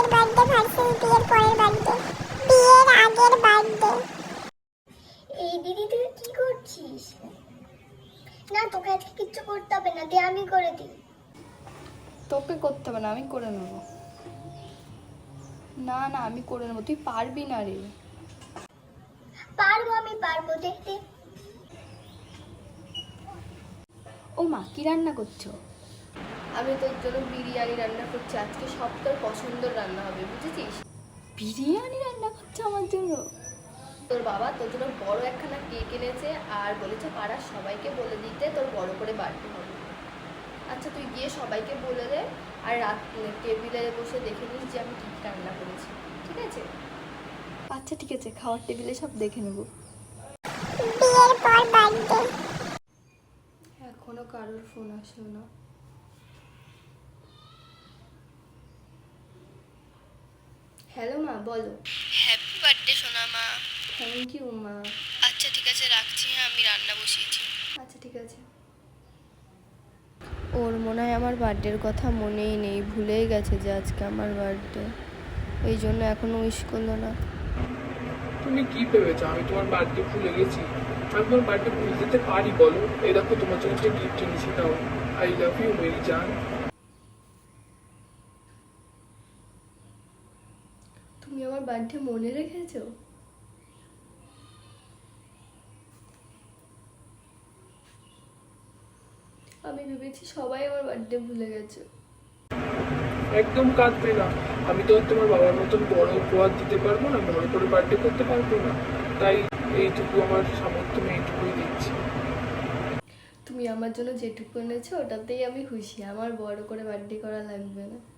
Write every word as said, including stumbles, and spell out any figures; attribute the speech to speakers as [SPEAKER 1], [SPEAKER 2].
[SPEAKER 1] বিয়ের birthday versus বিয়ের পরের বার্থডে, বিয়ের আগের বার্থডে।
[SPEAKER 2] এই দিদি তুই কি করছিস? না তোকে আজকে কিচ্ছু করতে হবে না, দে আমি করে দিই।
[SPEAKER 3] তোকে করতে হবে না, আমি করে নেবো। না না আমি করে নেবো, তুই পারবি না রে।
[SPEAKER 2] পারবো, আমি পারবো, দেখতে।
[SPEAKER 3] ও মা, কি রান্না করছো? আমি তোর জন্য বিরিয়ানি রান্না করছি আজকে, সব তোর পছন্দের রান্না হবে, বুঝেছিস? বিরিয়ানি রান্না করছো আমার জন্য? তোর বাবা তোর জন্য বড় একখানা কেক এনেছে আর বলেছে পাড়ার সবাইকে বলে দিতে তোর বড় করে বাড়তে হবে। আচ্ছা তুই গিয়ে সবাইকে বলে দে, আর রাত টেবিলে বসে দেখে নিস যে আমি কী কী রান্না করেছি, ঠিক আছে? আচ্ছা ঠিক আছে, খাওয়ার টেবিলে সব দেখে নেব।
[SPEAKER 1] বিয়ের পর বার্থডে।
[SPEAKER 3] এখনো কারোর ফোন আসলো না। হ্যালো মা, বলো।
[SPEAKER 4] হ্যাপি বার্থডে সোনা মা।
[SPEAKER 3] থ্যাংক ইউ মা।
[SPEAKER 4] আচ্ছা ঠিক আছে রাখছি, হ্যাঁ আমি রান্না বসিয়েছি।
[SPEAKER 3] আচ্ছা ঠিক আছে। ওর মনে হয় আমার বার্থডের কথা মনেই নেই, ভুলেই গেছে যে আজকে আমার বার্থডে, এই জন্য এখনো উইশ করলো না।
[SPEAKER 5] তুমি কি ভেবেছো আমি তোমার বার্থডে ভুলে গেছি? আমি তোমার বার্থডে ভুলে যেতে পারি বলো? এই দেখো তোমার জন্য একটা গিফট এনেছি, নাও। আই লাভ ইউ মেরি জান।
[SPEAKER 3] তুমি আমার বার্থডে মনে রেখেছো? আমি ভেবেছি সবাই আমার বার্থডে ভুলে গেছে।
[SPEAKER 5] একদম কাঁদবে না, আমি তো আর তোমার বাবার মতন বড় উপহার দিতে পারবো না, বড় করে বার্থডে করতে পারবো না, তাই এইটুকু আমার সামর্থ্য আমি এইটুকুই দিচ্ছি।
[SPEAKER 3] তুমি আমার জন্য যেটুকু এনেছো ওটাতেই আমি খুশি, আমার বড় করে বার্থডে করা লাগবে না।